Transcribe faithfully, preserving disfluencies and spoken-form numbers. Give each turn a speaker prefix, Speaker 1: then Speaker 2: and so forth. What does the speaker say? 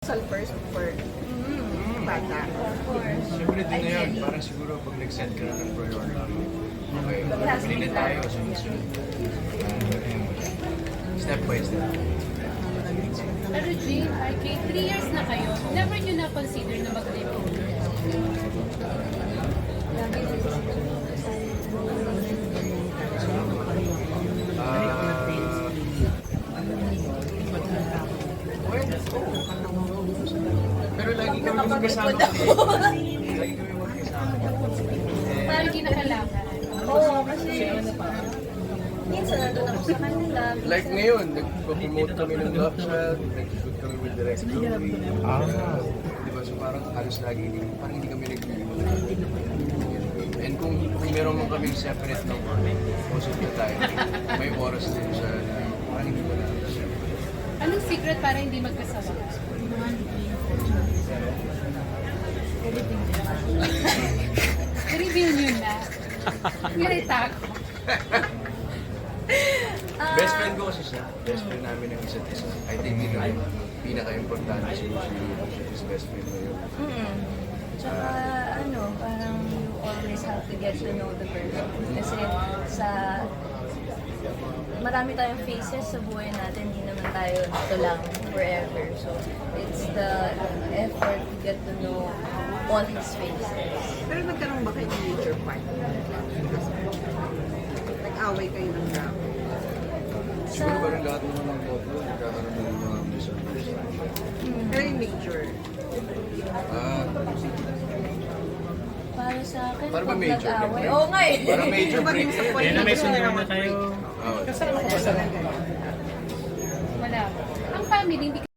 Speaker 1: Sal first before
Speaker 2: Mm.
Speaker 1: bata.
Speaker 3: Of course.
Speaker 2: Siyempre din na yun, parang siguro pag nag-set ka na ng priority, okay, pili na tayo, sunod-sunod. Uh, step by step.
Speaker 3: Pero Jane, R K, three years na kayo, never nyo na-consider na mag-live-in?
Speaker 2: Ah, well, pero lagi kami magkasama kasi. Lagi kami magkasama. Eh,
Speaker 3: Parang kinakalakan.
Speaker 1: Oo, kasi minsan nandun ako sa kanila.
Speaker 2: like ngayon, nag-promote kami ng Love Child, nag-shoot kami with Direct Louie. Ah. Di ba? So parang halos lagi, hindi, parang hindi kami nag And kung, kung meron mo kaming separate ng work, most of the time, may oras din siya na parang hindi mo na separate.
Speaker 3: Anong secret para hindi magkasawa? Reveal nyo na. Ganita ako.
Speaker 2: Best friend ko kasi siya. Best friend namin ng isa't isa. I think yun ang pinaka-importante siguro si his best friend na yun.
Speaker 1: Mm. Tsaka ano, parang you always have to get to know the person. Kasi sa marami tayong phases sa buhay natin, hindi naman tayo ito lang forever. So, it's the effort to get to know all his phases.
Speaker 4: Pero nagkaroon ba kayo ng major fight? Nag-away kayo ng grabe.
Speaker 2: Siguro parang lahat naman ng couple, nagkakaroon ng mga misunderstanding.
Speaker 4: Pero yung major.
Speaker 2: Ah,
Speaker 1: Para sa akin,
Speaker 2: Para ba
Speaker 1: pag
Speaker 2: major?
Speaker 1: nag-away, oo nga eh.
Speaker 2: parang major break na
Speaker 4: Ayun
Speaker 2: yun.
Speaker 4: may sundo na kayo.
Speaker 2: Oo.
Speaker 3: Wala. Ang family, hindi